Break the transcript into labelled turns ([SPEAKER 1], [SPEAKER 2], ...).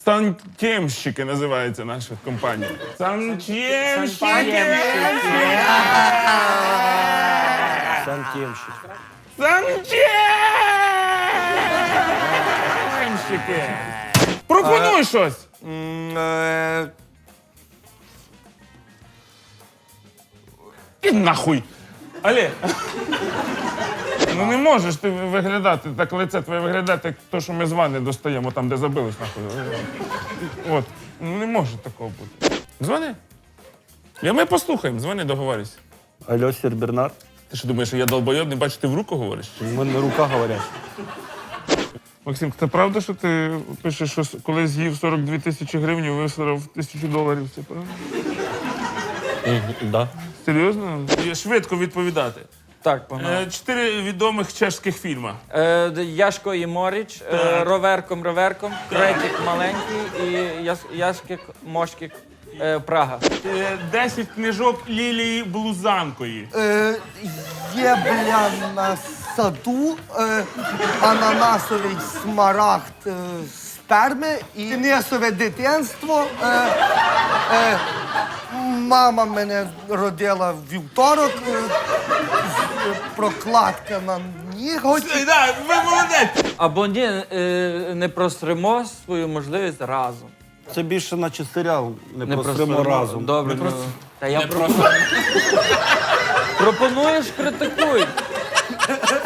[SPEAKER 1] Сантємщики називається наша компанія. Сантємщики!
[SPEAKER 2] Сантємщик.
[SPEAKER 1] Сантємщики! Пропонуй щось! І нахуй! Олег! Ну не можеш ти виглядати, так лице твоє виглядати, як то, що ми з ванни достаємо, там, де забились, нахуй. От. Ну не може такого бути. Дзвони. Ми послухаємо, дзвони, договорюсь.
[SPEAKER 2] Алло, сер Бернар.
[SPEAKER 1] Ти що думаєш, що я долбойоб, не бачу, ти в руку говориш?
[SPEAKER 2] У мене рука говорять.
[SPEAKER 1] Максим, це правда, що ти пишеш, що коли з'їв 42 тисячі гривень, висрав $1000? Це правда?
[SPEAKER 2] Да.
[SPEAKER 1] Серйозно? Швидко відповідати.
[SPEAKER 3] Так, погнали.
[SPEAKER 1] 4 відомих чешських фільми.
[SPEAKER 3] Яшко і Моріч, Роверком, Крекік маленький і Яшкик, Мошкик, Прага.
[SPEAKER 1] 10 книжок Лілії Блузанкої.
[SPEAKER 4] Є, бля, на саду ананасовий смарагд сперми і Несове дитинство. Мама мене родила в вівторок. Прокладка на ніготі.
[SPEAKER 1] Да, ви молодець!
[SPEAKER 3] Або ні, не просримо свою можливість разом.
[SPEAKER 2] Це більше наче серіал, не просремо разом.
[SPEAKER 3] Добре, Та я пропоную. Пропонуєш, критикуй.